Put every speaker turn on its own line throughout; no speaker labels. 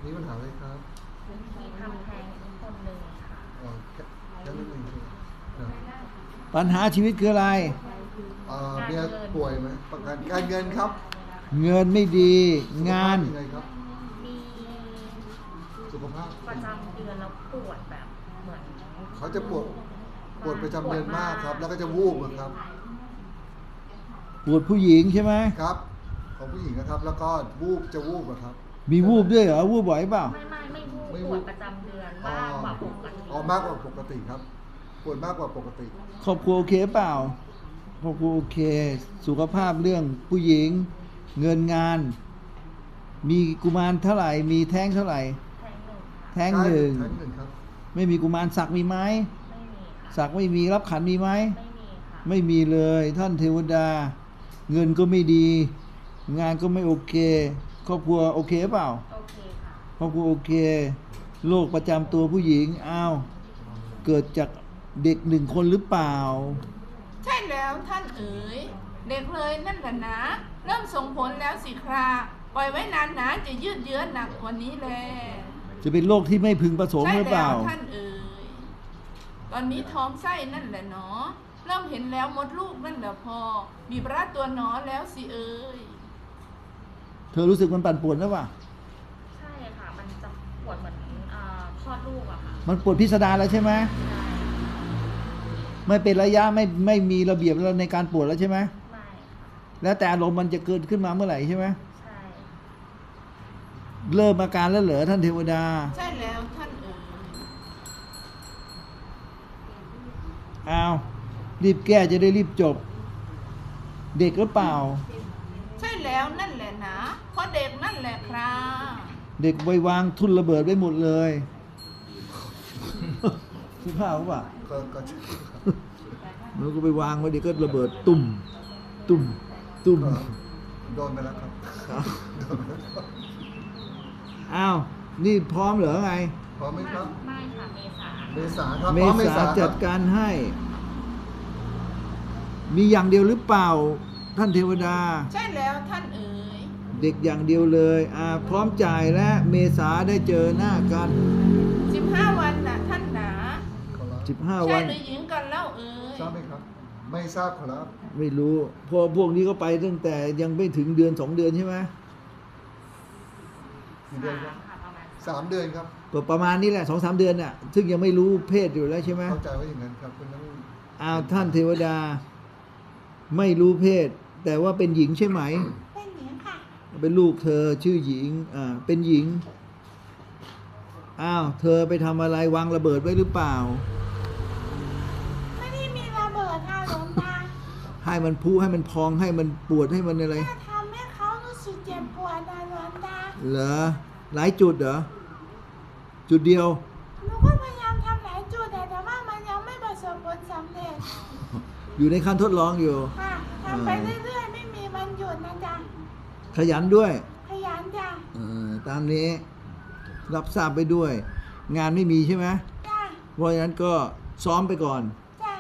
มีปัญหาอะไรครับ
มีทำแท้งคนหนึ่งค่ะ
อ๋อแค่นิดนึงใช่ไหมครับ
ปัญหาชีวิตคืออะไร
เมียป่วยไหมประกันการเงินครับ
เงินไม่ดีงาน
สุขภพยังไงครับ
มี
สุขภาพ
ประจำเดือนแล้วปวดแบบเหมือน
เขาจะปวดประจำเดือนมากครับ แล้วก็จะวูบครับ
ปวดผู้หญิงใช่ไหม
ครับของผู้หญิงนะครับ แล้วก็จะวูบครับ
มีวูบด้วยเหรอวูบบ่อยเปล่า
ไม่วูบปวดประจำเดือนมากกว่าปกติ
มากกว่าปกติครับปวดมากกว่าปกติ
ครอบครัวโอเคเปล่าครอบครัวโอเคสุขภาพเรื่องผู้หญิงเงินงาน มีกุมารเท่าไหร่มีแท้งเท่าไหร่
แท้งหนึ่ง
แท้งหนึ่ง
แท้งหนึ่งครับ
ไม่มีกุมารศักดิ์มีไหม
ไม่มีค่ะ
ศักดิ์ไม่มีรับขันมีไหม
ไม่มีค่ะ
ไม่มีเลยท่านเทวดา เงินก็ไม่ดี งานก็ไม่โอเคครอบครัวโอเคเปล่า
โอเคค่ะ
ครอบครัวโอเคโรคประจำตัวผู้หญิงอ้าวเกิดจากเด็กหนึ่งคนหรือเปล่า
ใช่แล้วท่านเอ๋ยเด็กเลยนั่นแหละนะเริ่มส่งผลแล้วสิคราปล่อยไว้นานนะจะยืดเยื้อหนักกว่านี้แล
จะเป็นโรคที่ไม่พึงประสงค์หรือเปล่า
ใช่แล้วท่านเอ๋ยตอนนี้ท้องไส้นั่นแหละเนาะเริ่มเห็นแล้วมดลูกนั่นแหละพอบีบรัดตัวหนอแล้วสิเอ๋ย
เธอรู้สึกมันปั่นป่วนหรือเปล่า
ใช่ค่ะมันจะปวดเหมือนคลอดลูกอะค่ะ
มันปวดพิสดารแล้วใช่ไหมไม่เป็นระยะไม่มีระเบียบแล้วในการปวดแล้วใช่ไหม
ไม่ค่ะ
แล้วแต่อารมณ์มันจะเกิดขึ้นมาเมื่อไหร่ใช่ไหม
ใช่
เริ่มอาการแล้วเหรอท่านเทวดา
ใช่แล้วท่านเอ๋ย
อ้าวรีบแก้จะได้รีบจบเด็กหรือเปล่า
ใช่แล้วนั่นแหละนะเพราะเด็กนั่นแหละครับ
เด็กไว้วางทุ่นระเบิดไว้หมดเลยสุภาพป่ะ
ก็
มันก็ไปวางไว้เดี๋ยวก็ระเบิดตุ่มตุ่มตุ่ม
โดนไปแล้วครับ
อ้าวนี่พร้อมเหรอไง
พร้อมไหมครับ
ไม่ค่ะเมษา
ครับ
เมษาจัดการให้มีอย่างเดียวหรือเปล่าท่านเทวดา
ใช่แล้วท่านเอ๋ย
เด็กอย่างเดียวเลยพร้อมจ่ายและเมษาได้เจอหน้ากัน
15 วันนะท่านหนา
15 วัน
ใช่หรือหญิงกันเล่าเอ๋ย
ทราบไหมครับไม่ทราบครับ
ไม่รู้พวกนี้ก็ไปตั้งแต่ยังไม่ถึงเดือน2 เดือนใช่ไหม
กี่เดือนครับ3 เดือนครับ
ก็ประมาณนี้แหละ2-3 เดือนน่ะซึ่งยังไม่รู้เพศอยู่แล้วใช่ไหม
เข้าใจว่าอย่างนั้นครับคุณต้อง
ท่านเทวดาไม่รู้เพศแต่ว่าเป็นหญิงใช่ไหม
เป็นหญิงค่ะ
เป็นลูกเธอชื่อหญิงเป็นหญิงเธอไปทำอะไรวางระเบิดไว้หรือเปล่า
ไม่ได้มีระเบิดค่ะหลวงตา
ให้มันพุให้มันพองให้มันปวดให้มันอะไร
แค่ทำให้เขารู้สึกเจ็บปวดนะหลวงตา
เหรอหลายจุดเหรอจุดเดียว
หนูก็พยายามทำหลายจุดแต่ว่ามันยังไม่ประสบผลสำเร็จ
อยู่ในขั้นทดลองอยู่
ค่ะทำไปเรื่อยๆไม่มีวันหยุดนะจ๊ะ
ขยันด้วย
ขยันจ้ะ
ตามนี้รับทราบไปด้วย งานไม่มีใช่ไหม
จ้ะ
เพราะฉะนั้นก็ซ้อมไปก่อน
จ้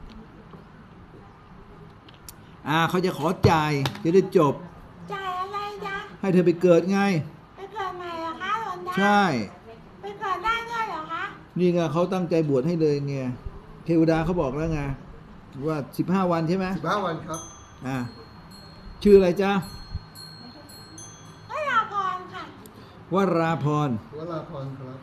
ะเขาจะขอจ่ายจะได้จบ
จ่ายอะไรจ๊ะ
ให้เธอไปเกิดไง
ไปเกิดใหม่เหรอคะหลวงตา
ใช่
ไปเกิดได้ด้วยเหรอคะ
นี่ไงเขาตั้งใจบวชให้เลยไงเทวดาเขาบอกแล้วไงว่า15 วันใช่ไหม
15 วันครับ
ชื่ออะไรจ๊ะ
วราพรค่ะ
วราพร
ครับ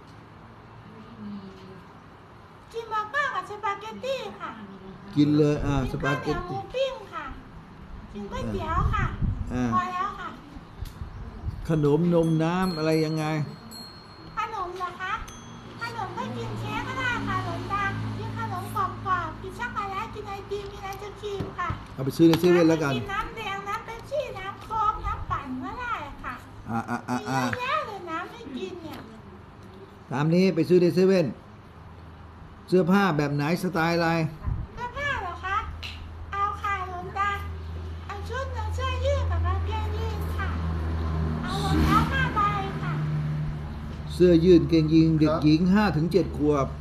กินเบอร์เกอร์กับสปาเกตตี้ค่ะ
กินเลยสปาเกต
ตี้หมูปิ้งค่ะกินก๋วยเตี๋ยวค่ะพอแล้วค่ะ
ขนมนมน้ำอะไรยังไง
ขนมเหรอคะขนมก็กินเค้กก็ได้ค่ะหลวงตากินขนมกรอบๆกินช็อกโกแลตกินไอติมกินไอศกรีมค่ะ
เอาไปซื้อในเซเว่นแล้วกัน
กินน้ำแดงน้ำเป๊ปซี่น้ำโค้กน้ำปั่นก็ได้ค่ะมีเยอะแยะเลยน้ำให้กินเนี่ย
ตามนี้ไปซื้อในเซเว่นเสื้อผ้าแบบไหนสไตล์อะไร
เสื้อผ้าเหรอคะเอาค่ะหลวงตาเอาชุดเสื้อยืดกับกางเกงยีนค่ะเอารองเท้า5 ใบค่ะ
เสื้อยืดเกงยีนเด็กหญิง5-7 ขวบ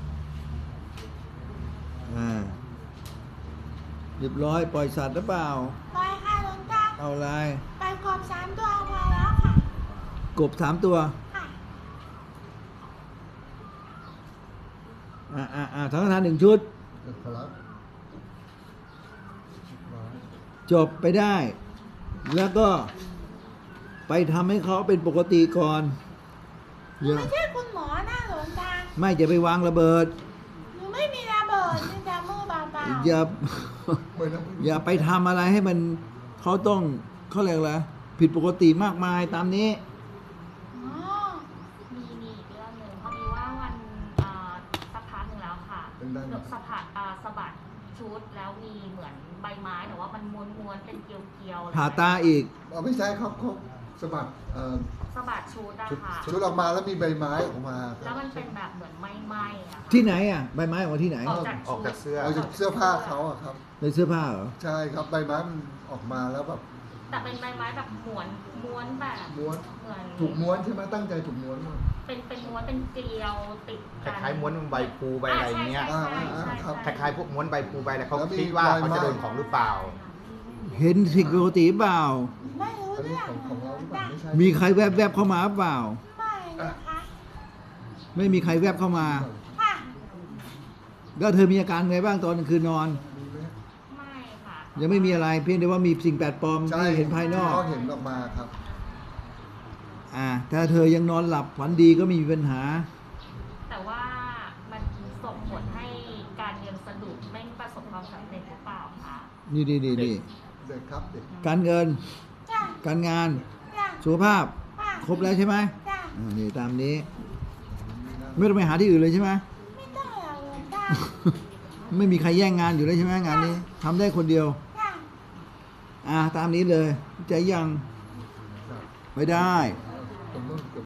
เรียบร้อยปล่อยสัตว์หรือเปล่า
ปล่อยค่ะหลวงตา
เอาอะไร
ปล่อยกบ3 ตัวพอแล้วค่ะ
กบ3 ตัว
ค่ะ
สังฆทาน1 ชุด
ครับ
จบไปได้ แล้วก็ไปทำให้เขาเป็นปกติก่อน
หนูไม่ใช่คุณหมอนะหลวงตา
ไม่จะไปวางระเบิด
หนูไม่มีระเบิดมีแต่มือเปล่าๆ
อย่า
ไม่นะ
อย่าไปทำอะไรให้มันเขาต้องเขาเรียกอะไรผิดปกติมากมายตามนี้
อ๋อ
มีอีกเรื่องหนึ่งพอดีว่าวันสักพักหนึ่งแล้วค่ะ
เป็นได้ไหม
สะพัดสะบัดชุดแล้วมีเหมือนใบไม้แต่ว่ามันม้วนๆเป็นเกลียวๆเลย
ผ่าตาอีก
ไม่ใช่ครับเขาสะบัด
สะบัดชุดอะค่ะ
ชุดออกมาแล้วมีใบไม้ออกมาค
แล้
รั
ว
บ
มันเป็นแบบเหมือนไหม้ๆอะค่ะ
ที่ไหนอ่ะใบไม้ออกมาที่ไหน
ออกจาก
ออกจากเสื้อ
เอาจากเสื้อผ้าเขาอะครับ
ในเสื้อผ้าเหรอ
ใช่ครับใบไม้มันออกมาแล้วแบบ
แต่เป็นใบไม้แบบม้วนแบบ
ม้วน
เหมือน
ถูกม้วนใช่ไหมตั้งใจถูกม้วนมา
เป็นม้วนเป็นเกลียวติด
ค
กัน
ล้ายๆม้วนใบพลูใบอะไรเงี้ย
ใช่ใช่ใช่
ครับ
คล้ายๆพวกม้วนใบพลูใบอะไรเขา
แล้วมี
คิดว่า
ใบ
เขา
ไม้
จะโดนของหรือเปล่า
เห็นสิ่งปกติเปล่า
ไม่รู้
อันนี้
เรื่อง
ของเราหรือเปล่าไม่ใช่
มีใครแวบๆเข้ามาเปล่า
ไม่นะคะ
ไม่มีใครแวบเข้ามา
ค่ะ
แล้วเธอมีอาการไงบ้างตอนกลางคืนนอน
มีไหม
ไม่ค่ะ
ยังไม่มีอะไรเพียงแต่ว่ามีสิ่งแปลกปลอม
ใช่
ที่เห็นภายนอก
เขาเห็นออกมาครับ
ถ้าเธอยังนอนหลับฝันดีก็ไม่มีปัญหา
แต่ว่ามันส่งผลให้การเรียนสะดุดไม่ประสบความสำเร็จหรือเปล่าคะ
นี่
เด็กครับเด็ก
การเงิน
จ้ะ
การงาน
จ้ะ
สุขภาพ
ค่ะ
ครบแล้วใช่ไหม
จ้ะ
นี่ตามนี้ ไม่ต้องไปหาที่อื่นเลยใช่ไหม
ไม่ต้องหรอกหลวงตา
ไม่มีใครแย่งงานอยู่แล้วใช่ไหมงานนี้ทำได้คนเดียว
จ้ะ
ตามนี้เลยใจยัง
ครับ
ไม่ได้
ผมต้อง